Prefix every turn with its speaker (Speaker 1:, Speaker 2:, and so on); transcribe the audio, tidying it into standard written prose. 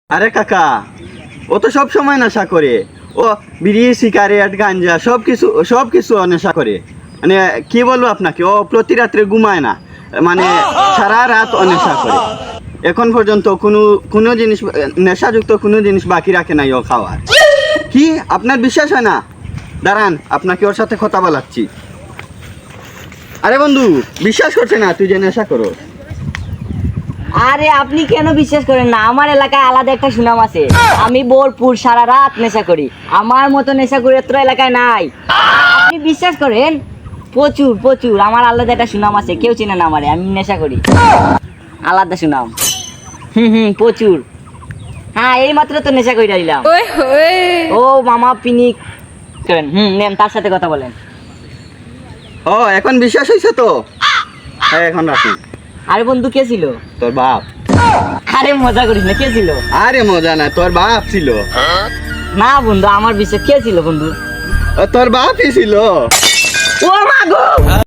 Speaker 1: আরে কাকা, ও তো সব সময় নেশা করে। ও বিড়ি, সিগারেট, গাঞ্জা সব কিছু নেশা করে। মানে কি বলবো আপনাকে, ও প্রতি রাত্রে ঘুমায় না, মানে সারা রাত ও নেশা করে। এখন পর্যন্ত কোনো জিনিস, নেশাযুক্ত কোনো জিনিস বাকি রাখে নাই ও খাওয়ার। কি আপনার বিশ্বাস হয় না? দাঁড়ান, আপনাকে ওর সাথে কথা বলাচ্ছি। আরে বন্ধু, বিশ্বাস করছে না তুই যে নেশা করো?
Speaker 2: আরে আপনি কেন বিশ্বাস করেন না? আমার এলাকায় আলাদা একটা সুনাম আছে। আমি ভরপুর সারা রাত নেশা করি। আমার মতো নেশা করি এত এলাকায় নাই। আপনি বিশ্বাস করেন? প্রচুর প্রচুর আমার আলাদা একটা সুনাম আছে। কেউ চেনে না আমারে, আমি নেশা করি। আলাদা সুনাম। প্রচুর। হ্যাঁ, এই মাত্র তো নেশা করে দিলাম। ও মামা পিনিক করেন। নেন, তার সাথে কথা বলেন।
Speaker 1: ও এখন বিশ্বাস হয়েছে তো? হ্যাঁ, এখন রাখি।
Speaker 2: আরে বন্ধু, কে ছিল?
Speaker 1: তোর বাপ।
Speaker 2: আরে মজা করিস না, কে ছিল?
Speaker 1: আরে মজা না, তোর বাপ ছিল।
Speaker 2: না বন্ধু, আমার বিশ্বাস। কে ছিল বন্ধু?
Speaker 1: তোর বাপই ছিল।
Speaker 2: ও মা গো!